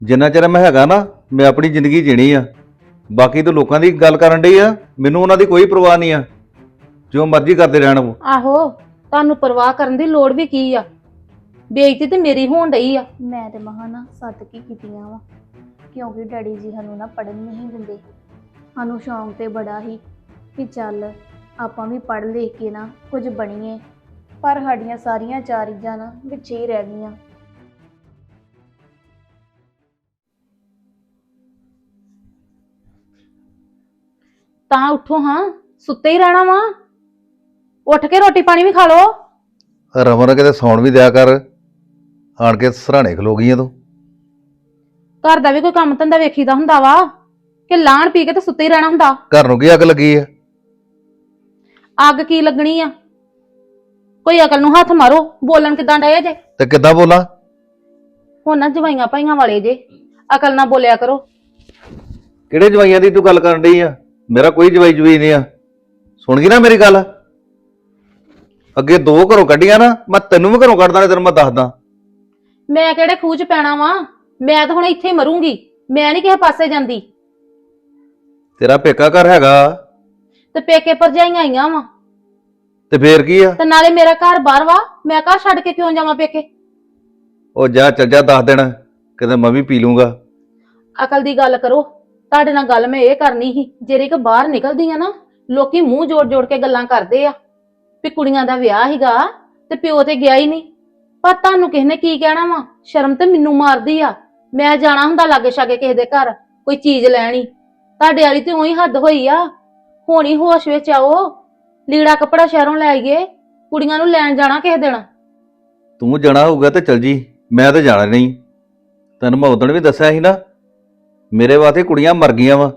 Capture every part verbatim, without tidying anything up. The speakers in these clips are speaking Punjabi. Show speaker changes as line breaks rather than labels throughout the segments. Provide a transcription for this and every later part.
ਜਿੰਨਾ ਚਿਰ ਮੈਂ ਹੈਗਾ ਨਾ ਮੈਂ ਆਪਣੀ ਜ਼ਿੰਦਗੀ ਜੀਣੀ ਆ। ਬਾਕੀ ਤਾਂ ਲੋਕਾਂ ਦੀ ਗੱਲ ਕਰਨ ਡਈ ਆ, ਮੈਨੂੰ ਉਹਨਾਂ ਦੀ ਕੋਈ ਪਰਵਾਹ ਨਹੀਂ ਆ। ਜੋ ਮਰਜ਼ੀ ਕਰਦੇ ਰਹਿਣ ਉਹ।
ਆਹੋ, ਤੁਹਾਨੂੰ ਪਰਵਾਹ ਕਰਨ ਦੀ ਲੋੜ ਵੀ ਕੀ ਆ? ਬੇਇੱਜ਼ਤੀ ਤੇ ਮੇਰੀ ਹੋਣ ਡਈ ਆ।
ਮੈਂ ਤੇ ਮਹਾ ਨਾ ਸੱਤ ਕੀ ਕੀਤੀਆਂ ਵਾ, ਕਿਉਂਕਿ ਡੈਡੀ ਜੀ ਸਾਨੂੰ ਨਾ ਪੜ੍ਹਨ ਨਹੀਂ ਦਿੰਦੇ। ਸਾਨੂੰ ਸ਼ੌਂਕ ਤੇ ਬੜਾ ਹੀ ਕਿ ਚੱਲ ਆਪਾਂ ਵੀ ਪੜ੍ਹ ਲਿਖ ਕੇ ਨਾ ਕੁਝ ਬਣੀਏ, ਪਰ ਸਾਡੀਆਂ ਸਾਰੀਆਂ ਚਾਰ ਇੱਜ਼ਾਂ ਨਾ ਵਿੱਚ ਹੀ ਰਹਿ ਗਈਆਂ।
ਤਾਂ ਉੱਠੋ ਹਾਂ, ਸੁੱਤੇ ਹੀ ਰਹਿਣਾ ਵਾ। ਉੱਠ ਕੇ ਰੋਟੀ ਪਾਣੀ ਵੀ ਖਾ ਲਓ।
ਰਮਨ ਕਿਤੇ ਸੌਣ ਵੀ ਦਿਆ ਕਰ, ਆਣ ਕੇ ਸਰਾਣੇ ਖਲੋ ਗਈਆਂ ਤੂੰ।
ਘਰ ਦਾ ਵੀ ਕੋਈ ਕੰਮ ਧੰਦਾ ਵੇਖੀਦਾ ਹੁੰਦਾ ਵਾ ਕਿ ਲਾਣ ਪੀ ਕੇ ਤੇ ਸੁੱਤੇ ਹੀ ਰਹਿਣਾ ਹੁੰਦਾ?
ਘਰ ਨੂੰ ਕੀ ਅੱਗ ਲੱਗੀ ਆ?
ਅੱਗ ਕੀ ਲੱਗਣੀ ਆ? ਕੋਈ ਅਕਲ ਨੂੰ ਹੱਥ ਮਾਰੋ, ਬੋਲਣ ਕਿਦਾਂ ਡਏ ਜੇ?
ਤੇ ਕਿੱਦਾਂ ਬੋਲਾਂ?
ਹੁਣ ਨਾ ਜਵਾਈਆਂ ਭਾਈਆਂ ਵਾਲੇ ਜੇ, ਅਕਲ ਨਾਲ ਬੋਲਿਆ ਕਰੋ।
ਕਿਹੜੇ ਜਵਾਈਆਂ ਦੀ ਤੂੰ ਗੱਲ ਕਰਨ ਡਈ ਆ? ਮੇਰਾ ਕੋਈ ਜਵਾਈ ਜਵਾਈ ਨਹੀਂ ਆ। ਸੁਣ ਗਈ ਨਾ ਮੇਰੀ ਗੱਲ? ਅੱਗੇ ਦੋ ਘਰੋਂ ਕੱਢੀਆਂ ਨਾ, ਮੈਂ ਤੈਨੂੰ ਵੀ ਘਰੋਂ ਕੱਢਦਾ, ਤੈਨੂੰ ਮੈਂ ਦੱਸਦਾ।
ਮੈਂ ਕਿਹੜੇ ਖੂਹ ਚ ਪੈਣਾ ਵਾ? ਮੈਂ ਤਾਂ ਹੁਣ ਇੱਥੇ ਹੀ ਮਰੂੰਗੀ, ਮੈਂ ਨਹੀਂ ਕਿਸੇ ਪਾਸੇ ਜਾਂਦੀ।
ਤੇਰਾ ਪੇਕਾ ਘਰ ਹੈਗਾ
ਤੇ ਪੇਕੇ ਭਰਜਾਈਆਂ ਆਈਆਂ ਵਾ,
ਤੇ ਫੇਰ ਕੀ ਆ?
ਤੇ ਨਾਲੇ ਮੇਰਾ ਘਰ ਬਾਹਰ ਵਾ, ਮੈਂ ਘਰ ਛੱਡ ਕੇ ਕਿਉਂ ਜਾਵਾਂ ਪੇਕੇ?
ਉਹ ਜਾ ਚੱਲ ਜਾ, ਦਸ ਦਿਨ ਕਿਤੇ ਮੈਂ ਵੀ ਪੀ ਲੂੰਗਾ।
ਅਕਲ ਦੀ ਗੱਲ ਕਰੋ। ਤੁਹਾਡੇ ਨਾਲ ਗੱਲ ਮੈਂ ਇਹ ਕਰਨੀ ਸੀ, ਜਿਹੜੇ ਕਿ ਬਾਹਰ ਨਿਕਲਦੀ ਆ ਨਾ, ਲੋਕੀ ਮੂੰਹ ਜੋੜ ਜੋੜ ਕੇ ਗੱਲਾਂ ਕਰਦੇ ਆ ਵੀ ਕੁੜੀਆਂ ਦਾ ਵਿਆਹ ਹੀਗਾ ਤੇ ਪਿਓ ਤੇ ਗਿਆ ਹੀ ਨਹੀਂ। ਪਰ ਤੁਹਾਨੂੰ ਕਿਸੇ ਨੇ ਕੀ ਕਹਿਣਾ ਵਾ? ਸ਼ਰਮ ਤੇ ਮੈਨੂੰ ਮਾਰਦੀ ਆ। ਮੈਂ ਜਾਣਾ ਹੁੰਦਾ ਲਾਗੇ ਛਾਗੇ ਕਿਸੇ ਦੇ ਘਰ ਕੋਈ ਚੀਜ਼ ਲੈਣੀ, ਤੁਹਾਡੇ ਵਾਲੀ ਤੇ ਉਹੀ ਹੱਦ ਹੋਈ ਆ। ਹੋਣੀ ਹੋਸ਼ ਵਿੱਚ ਆਓ, ਲੀੜਾ ਕੱਪੜਾ ਸ਼ਹਿਰੋਂ ਲੈ ਆਈਏ, ਕੁੜੀਆਂ ਨੂੰ ਲੈਣ ਜਾਣਾ ਕਿਸੇ ਦਿਨ।
ਤੂੰ ਜਾਣਾ ਹੋਊਗਾ ਤੇ ਚੱਲ ਜੀ, ਮੈਂ ਤਾਂ ਜਾਣਾ ਨਹੀਂ। ਤੈਨੂੰ ਮੈਂ ਉਦਣ ਵੀ ਦੱਸਿਆ ਸੀ ਨਾ, ਮੇਰੇ ਵਾਸਤੇ ਕੁੜੀਆਂ ਮਰ ਗਈਆਂ ਵਾ।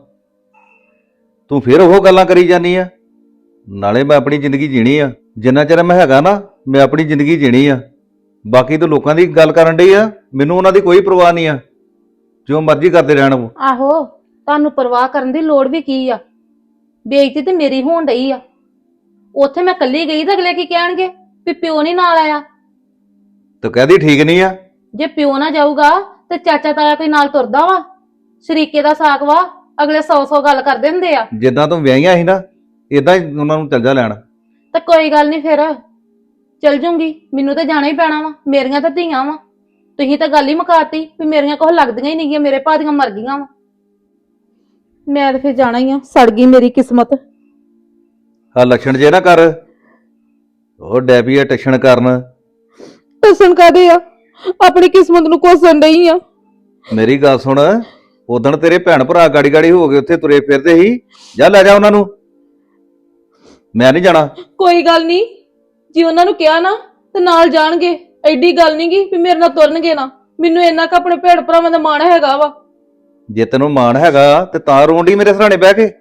ਤੂੰ ਫਿਰ ਉਹ ਗੱਲਾਂ ਕਰੀ ਜਾਨੀ ਆ। ਨਾਲੇ ਮੈਂ ਆਪਣੀ ਜ਼ਿੰਦਗੀ ਜੀਣੀ ਆ, ਜਿੰਨਾ ਚਿਰ ਮੈਂ ਹੈਗਾ ਨਾ ਮੈਂ ਆਪਣੀ ਜ਼ਿੰਦਗੀ ਜੀਣੀ ਆ। ਬਾਕੀ ਤਾਂ ਲੋਕਾਂ ਦੀ ਗੱਲ ਕਰਨ ਡਈ ਆ, ਮੈਨੂੰ ਉਹਨਾਂ ਦੀ ਕੋਈ ਪਰਵਾਹ ਨਹੀਂ ਆ। ਜੋ ਮਰਜ਼ੀ ਕਰਦੇ ਰਹਿਣ ਉਹ।
ਆਹੋ, ਤੁਹਾਨੂੰ ਪਰਵਾਹ ਕਰਨ ਦੀ ਲੋੜ ਵੀ ਕੀ ਆ? ਬੇਇੱਜ਼ਤੀ ਤੇ ਮੇਰੀ ਹੋਣ ਡਈ ਆ। ਉੱਥੇ ਮੈਂ ਕੱਲੀ ਗਈ ਤਾਂ ਅਗਲੇ ਕੀ ਕਹਿਣਗੇ ਵੀ ਪਿਓ ਨਹੀਂ ਨਾਲ ਆਇਆ?
ਤੂੰ ਕਹਦੀ ਠੀਕ ਨਹੀਂ ਆ।
ਜੇ ਪਿਓ ਨਾ ਜਾਊਗਾ ਤੇ ਚਾਚਾ ਤਾਇਆ ਕੋਈ ਨਾਲ ਤੁਰਦਾ ਵਾ? ਸ਼ਰੀਕੇ ਦਾ ਸਾਕ ਵਾ, ਅਗਲੇ ਸੌ ਸੌ ਗੱਲ ਕਰਦੇ ਹੁੰਦੇ ਆ।
ਜਿੱਦਾਂ ਤੂੰ ਵਿਆਹੀਆਂ ਸੀ ਨਾ, ਇਦਾਂ ਹੀ ਉਹਨਾਂ ਨੂੰ ਚੱਲ ਜਾ ਲੈਣ।
ਤੇ ਕੋਈ ਗੱਲ ਨਹੀਂ, ਫਿਰ ਚਲ ਜੂੰਗੀ। ਮੈਨੂੰ ਤਾਂ ਜਾਣਾ ਹੀ ਪੈਣਾ ਵਾ, ਮੇਰੀਆਂ ਤਾਂ ਧੀਆਂ ਵਾ। ਤੁਸੀਂ ਤਾਂ ਗੱਲ ਹੀ ਮੁਕਾਤੀ ਵੀ ਮੇਰੀਆਂ ਕੋਹ ਲੱਗਦੀਆਂ ਹੀ ਨਹੀਂ, ਮੇਰੇ ਭਾ ਦੀਆਂ ਮਰ ਗਈਆਂ ਵਾ। ਮੈਂ ਤਾਂ ਫਿਰ ਜਾਣਾ ਹੀ ਆ, ਸੜ ਗਈ ਮੇਰੀ ਕਿਸਮਤ।
ਆ ਲੱਛਣ ਜੇ ਨਾ ਕਰ, ਉਹ ਡੈਬੀ ਆ ਟੱਛਣ ਕਰਨ।
ਟਸਣ ਕਾਦੇ ਆ? ਆਪਣੀ ਕਿਸਮਤ ਨੂੰ ਕੋਸਣ ਡਈ ਆ।
ਮੇਰੀ ਗੱਲ ਸੁਣ, ਉਦਣ ਤੇਰੇ ਭੈਣ ਭਰਾ ਗਾੜੀ ਗਾੜੀ ਹੋ ਗਏ ਉੱਥੇ ਤੁਰੇ ਫਿਰਦੇ ਸੀ, ਜਾ ਲੈ ਜਾ ਉਹਨਾਂ ਨੂੰ। ਮੈਂ ਨਹੀਂ ਜਾਣਾ।
ਕੋਈ ਗੱਲ ਨਹੀਂ, ਜੇ ਉਹਨਾਂ ਨੂੰ ਕਿਹਾ ਨਾ ਤੇ ਨਾਲ ਜਾਣਗੇ। ਐਡੀ ਗੱਲ ਨਹੀਂ ਗੀ ਵੀ ਮੇਰੇ ਨਾਲ ਤੁਰਨਗੇ ਨਾ। ਮੈਨੂੰ ਇੰਨਾ ਕੁ ਆਪਣੇ ਭੈਣ ਭਰਾਵਾਂ ਦਾ ਮਾਣ ਹੈਗਾ ਵਾ।
ਜੇ ਤੈਨੂੰ ਮਾਣ ਹੈਗਾ ਤੇ ਤਾਂ ਰੋਂਡੀ ਮੇਰੇ ਸਰਾਣੇ ਬਹਿ ਕੇ।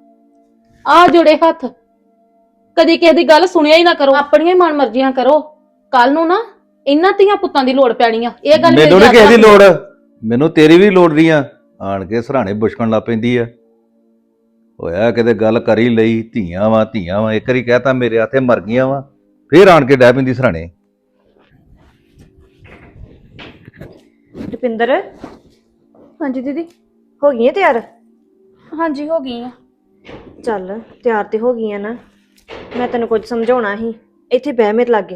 ਆ ਜੁੜੇ ਹੱਥ, ਕਦੀ ਕਿਸੇ ਦੀ ਗੱਲ ਸੁਣਿਆ ਹੀ ਨਾ ਕਰੋ, ਆਪਣੀਆਂ ਹੀ ਮਨ ਮਰਜ਼ੀਆਂ ਕਰੋ। ਕੱਲ ਨੂੰ ਨਾ ਇਹਨਾਂ ਧੀਆਂ ਪੁੱਤਾਂ ਦੀ ਲੋੜ ਪੈਣੀ ਆ, ਇਹ ਗੱਲ
ਮੈਨੂੰ
ਮੇਰੀ
ਨਹੀਂ ਕਿਸੇ ਦੀ
ਯਾਦ ਰੱਖੀ।
ਲੋੜ, ਮੈਨੂੰ ਤੇਰੀ ਵੀ ਲੋੜ ਨਹੀਂ ਆ। ਆਣ ਕੇ ਸਰਾਣੇ ਬੁਸ਼ਕਣ ਲੱਗ ਪੈਂਦੀ ਆ। ਹੋਇਆ ਕਿਤੇ ਗੱਲ ਕਰੀ ਲਈ, ਧੀਆਂ ਵਾ ਧੀਆਂ ਵਾ, ਇੱਕ ਵਾਰੀ ਕਹਿਤਾ ਮੇਰੇ ਹੱਥੇ ਮਰ ਗਈਆਂ ਵਾ, ਫੇਰ ਆਣ ਕੇ ਡਹਿ ਪੈਂਦੀ ਸਰਾਣੇ।
ਰੁਪਿੰਦਰ,
ਹਾਂਜੀ ਦੀਦੀ।
ਹੋ ਗਈ ਹੈ ਤਿਆਰ?
ਹਾਂਜੀ ਹੋ ਗਈ ਆ।
ਚੱਲ ਤਿਆਰ ਤੇ ਹੋ ਗਈ ਆ ਨਾ, ਮੈਂ ਤੈਨੂੰ ਕੁਝ ਸਮਝਾਉਣਾ ਸੀ। ਇੱਥੇ ਬਹਿ ਮੇਰੇ ਲਾਗੇ।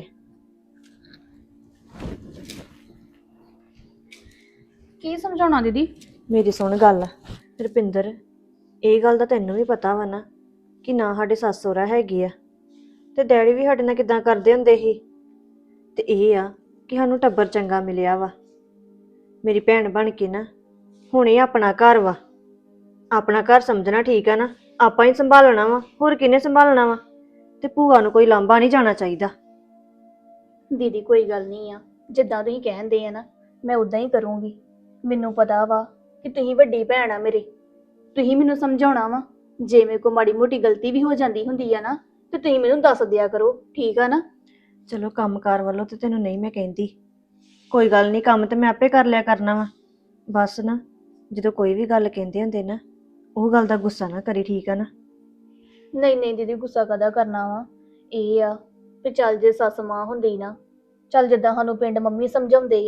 ਕੀ ਸਮਝਾਉਣਾ ਦੀਦੀ?
ਮੇਰੀ ਸੁਣ ਗੱਲ। ਰੁਪਿੰਦਰ, ਇਹ ਗੱਲ ਦਾ ਤੈਨੂੰ ਵੀ ਪਤਾ ਵਾ ਨਾ ਕਿ ਨਾ ਸਾਡੇ ਸੱਸ ਸਹੁਰਾ ਹੈਗੇ ਆ, ਤੇ ਡੈਡੀ ਵੀ ਸਾਡੇ ਨਾਲ ਕਿਦਾਂ ਕਰਦੇ ਹੁੰਦੇ ਸੀ। ਤੇ ਇਹ ਆ ਕਿ ਸਾਨੂੰ ਟੱਬਰ ਚੰਗਾ ਮਿਲਿਆ ਵਾ। ਮੇਰੀ ਭੈਣ ਬਣ ਕੇ ਨਾ ਹੁਣ ਇਹ ਆਪਣਾ ਘਰ ਵਾ, ਆਪਣਾ ਘਰ ਸਮਝਣਾ, ਠੀਕ ਆ ਨਾ? ਆਪਾਂ ਹੀ ਸੰਭਾਲਣਾ ਵਾ, ਹੋਰ ਕਿਹਨੇ ਸੰਭਾਲਣਾ ਵਾ? ਤੇ ਭੂਆ ਨੂੰ ਕੋਈ ਲਾਂਭਾ ਨਹੀਂ ਜਾਣਾ ਚਾਹੀਦਾ।
ਦੀਦੀ ਕੋਈ ਗੱਲ ਨਹੀਂ ਆ, ਜਿੱਦਾਂ ਤੁਸੀਂ ਕਹਿੰਦੇ ਆ ਨਾ ਮੈਂ ਉਦਾਂ ਹੀ ਕਰੂੰਗੀ। ਮੈਨੂੰ ਪਤਾ ਵਾ ਕਿ ਤੁਸੀਂ ਵੱਡੀ ਭੈਣ ਆ ਮੇਰੇ, ਤੁਸੀਂ ਮੈਨੂੰ ਸਮਝਾਉਣਾ ਵਾ। ਜੇ ਮੇਰੇ ਕੋਲ ਮਾੜੀ ਮੋਟੀ ਗਲਤੀ ਵੀ ਹੋ ਜਾਂਦੀ ਹੁੰਦੀ ਆ ਨਾ ਤੇ ਤੁਸੀਂ ਮੈਨੂੰ ਦੱਸ ਦਿਆ ਕਰੋ, ਠੀਕ ਆ ਨਾ?
ਚਲੋ ਕੰਮਕਾਰ ਵੱਲੋਂ ਤੇ ਤੈਨੂੰ ਨਹੀਂ ਮੈਂ ਕਹਿੰਦੀ, ਕੋਈ ਗੱਲ ਨਹੀਂ, ਕੰਮ ਤੇ ਮੈਂ ਆਪੇ ਕਰ ਲਿਆ ਕਰਨਾ ਵਾ। ਬਸ ਨਾ ਜਦੋਂ ਕੋਈ ਵੀ ਗੱਲ ਕਹਿੰਦੇ ਹੁੰਦੇ ਨਾ, ਉਹ ਗੱਲ ਦਾ ਗੁੱਸਾ ਨਾ ਕਰੀ, ਠੀਕ ਆ ਨਾ?
ਨਹੀਂ ਨਹੀਂ ਦੀਦੀ, ਗੁੱਸਾ ਕਾਹਦਾ ਕਰਨਾ ਵਾ? ਇਹ ਆ ਵੀ ਚੱਲ ਜੇ ਸੱਸ ਮਾਂ ਹੁੰਦੀ ਨਾ, ਚੱਲ ਜਿੱਦਾਂ ਸਾਨੂੰ ਪਿੰਡ ਮੰਮੀ ਸਮਝਾਉਂਦੇ ਆ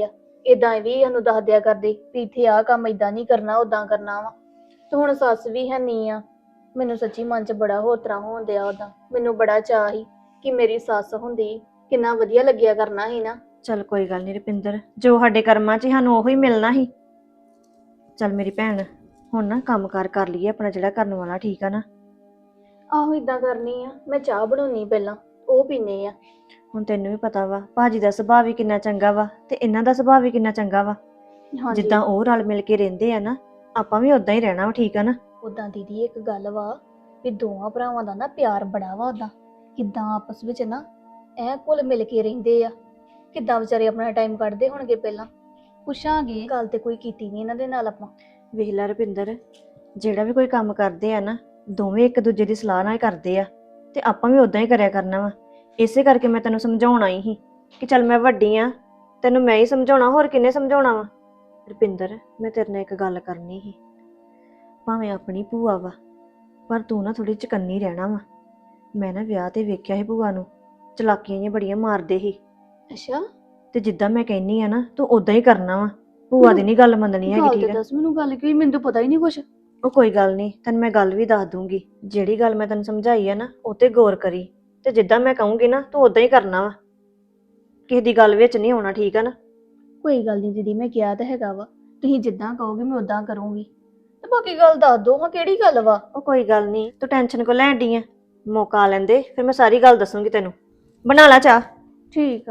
ਇਦਾਂ ਵੀ ਸਾਨੂੰ ਦੱਸ ਦਿਆ ਕਰਦੇ ਵੀ ਇੱਥੇ ਆਹ ਕੰਮ ਇਦਾਂ ਨਹੀਂ ਕਰਨਾ ਉਦਾਂ ਕਰਨਾ ਵਾ। ਤੇ ਹੁਣ ਸੱਸ ਵੀ ਹੈ ਨਹੀਂ ਆ। ਮੈਨੂੰ ਸੱਚੀ ਮਨ 'ਚ ਬੜਾ ਹੋਰ ਤਰ੍ਹਾਂ ਹੋਣ ਡਿਆ ਉਦਾਂ। ਮੈਨੂੰ ਬੜਾ ਚਾਅ ਸੀ ਕਿ ਮੇਰੀ ਸੱਸ ਹੁੰਦੀ ਕਿੰਨਾ ਵਧੀਆ ਲੱਗਿਆ ਕਰਨਾ ਸੀ ਨਾ।
ਚੱਲ ਕੋਈ ਗੱਲ ਨਹੀਂ ਰੁਪਿੰਦਰ, ਜੋ ਸਾਡੇ ਕਰਮਾਂ 'ਚ ਸੀ ਸਾਨੂੰ ਉਹੀ ਮਿਲਣਾ ਸੀ। ਚੱਲ ਮੇਰੀ ਭੈਣ, ਹੁਣ ਨਾ ਕੰਮ ਕਾਰ ਕਰ ਲਈਏ ਆਪਣਾ ਜਿਹੜਾ ਕਰਨ ਵਾਲਾ, ਠੀਕ ਆ ਨਾ?
ਆਹੋ ਇਦਾਂ ਕਰਨੀ ਆ, ਮੈਂ ਚਾਹ ਬਣਾਉਣੀ ਪਹਿਲਾਂ, ਉਹ ਪੀਨੇ ਆ।
ਹੁਣ ਤੈਨੂੰ ਵੀ ਪਤਾ ਵਾ ਭਾਜੀ ਦਾ ਸੁਭਾਅ ਵੀ ਕਿੰਨਾ ਚੰਗਾ ਵਾ ਤੇ ਇਹਨਾਂ ਦਾ ਸੁਭਾਅ ਵੀ ਕਿੰਨਾ ਚੰਗਾ ਵਾ।
ਹਾਂਜੀ
ਜਿੱਦਾਂ ਉਹ ਰਲ ਮਿਲ ਕੇ ਰਹਿੰਦੇ ਆ ਨਾ, ਆਪਾਂ ਵੀ ਉਦਾਂ ਹੀ ਰਹਿਣਾ ਵਾ, ਠੀਕ ਆ ਨਾ?
ਉਦਾਂ ਦੀਦੀ ਇੱਕ ਗੱਲ ਵਾ ਵੀ ਦੋਵਾਂ ਭਰਾਵਾਂ ਦਾ ਨਾ ਪਿਆਰ ਬੜਾ ਵਾ ਉਦਾਂ। ਕਿੱਦਾਂ ਆਪਸ ਵਿੱਚ ਨਾ ਐ ਘੁਲ ਮਿਲ ਕੇ ਰਹਿੰਦੇ ਆ। ਕਿੱਦਾਂ ਵਿਚਾਰੇ ਆਪਣਾ ਟਾਈਮ ਕੱਢਦੇ ਹੋਣਗੇ। ਪਹਿਲਾਂ ਪੁੱਛਾਂਗੇ, ਗੱਲ ਤੇ ਕੋਈ ਕੀਤੀ ਨਹੀਂ ਇਹਨਾਂ ਦੇ ਨਾਲ ਆਪਾਂ।
ਵੇਖ ਲੈ ਰੁਪਿੰਦਰ, ਜਿਹੜਾ ਵੀ ਕੋਈ ਕੰਮ ਕਰਦੇ ਆ ਨਾ, ਦੋਵੇਂ ਇੱਕ ਦੂਜੇ ਦੀ ਸਲਾਹ ਨਾਲ ਕਰਦੇ ਆ ਤੇ ਆਪਾਂ ਵੀ ਉਦਾਂ ਹੀ ਕਰਿਆ ਕਰਨਾ ਵਾ। ਇਸੇ ਕਰਕੇ ਮੈਂ ਤੈਨੂੰ ਸਮਝਾਉਣ ਆਈ ਸੀ ਕਿ ਚੱਲ ਮੈਂ ਵੱਡੀ ਆ, ਤੈਨੂੰ ਮੈਂ ਹੀ ਸਮਝਾਉਣਾ, ਹੋਰ ਕਿੰਨੇ ਸਮਝਾਉਣਾ ਵਾ। ਰੁਪਿੰਦਰ, ਮੈਂ ਤੇਰੇ ਨਾਲ ਇੱਕ ਗੱਲ ਕਰਨੀ ਸੀ। ਭਾਵੇਂ ਆਪਣੀ ਭੂਆ ਵਾ, ਪਰ ਤੂੰ ਨਾ ਥੋੜੀ ਚਕੰਨੀ ਰਹਿਣਾ ਵਾ। ਮੈਂ ਨਾ ਵਿਆਹ ਤੇ ਵੇਖਿਆ ਸੀ ਭੂਆ ਨੂੰ, ਚਲਾਕੀਆਂ ਜਿਹੀਆਂ ਬੜੀਆਂ ਮਾਰਦੇ ਸੀ।
ਅੱਛਾ,
ਤੇ ਜਿੱਦਾਂ ਮੈਂ ਕਹਿੰਨੀ ਆ ਨਾ, ਤੂੰ ਉਦਾਂ ਹੀ ਕਰਨਾ ਵਾ। ਭੂਆ ਦੀ ਨਹੀਂ ਗੱਲ ਮੰਨਣੀ ਹੈਗੀ,
ਗੱਲ
ਠੀਕ
ਤੇ
ਆ?
ਦੱਸ ਮੈਨੂੰ, ਗੱਲ ਕੀ, ਮੈਨੂੰ ਤਾਂ ਪਤਾ ਹੀ ਨਹੀਂ ਕੁਛ।
ਉਹ ਕੋਈ ਗੱਲ ਨਹੀਂ, ਤੈਨੂੰ ਮੈਂ ਗੱਲ ਵੀ ਦੱਸ ਦੂੰਗੀ। ਜਿਹੜੀ ਗੱਲ ਮੈਂ ਤੈਨੂੰ ਸਮਝਾਈ ਆ ਨਾ, ਉਹ ਤੇ ਗੌਰ ਕਰੀ ਤੇ ਜਿੱਦਾਂ ਮੈਂ ਕਹੂੰਗੀ ਨਾ, ਤੂੰ ਉਦਾਂ ਹੀ ਕਰਨਾ ਵਾ। ਕਿਸੇ ਦੀ ਗੱਲ ਵਿੱਚ ਨਹੀਂ ਆਉਣਾ, ਠੀਕ ਆ ਨਾ?
ਕੋਈ ਗੱਲ ਨਹੀਂ ਦੀਦੀ, ਮੈਂ ਕਿਹਾ ਤਾਂ ਹੈਗਾ ਵਾ, ਤੁਸੀਂ ਜਿੱਦਾਂ ਕਹੋਗੇ ਮੈਂ ਉਦਾਂ ਕਰੂੰਗੀ। ਤੇ ਬਾਕੀ ਗੱਲ ਦੱਸ ਦੋ ਹਾਂ, ਕਿਹੜੀ ਗੱਲ ਵਾ?
ਉਹ ਕੋਈ ਗੱਲ ਨਹੀਂ, ਤੂੰ ਟੈਨਸ਼ਨ ਕੋ ਲੈਣ ਡਈ ਆ? ਮੌਕਾ ਆ ਲੈਂਦੇ, ਫਿਰ ਮੈਂ ਸਾਰੀ ਗੱਲ ਦੱਸੂੰਗੀ ਤੈਨੂੰ। ਬਣਾ ਲੈ ਚਾਹ।
ਠੀਕ ਆ।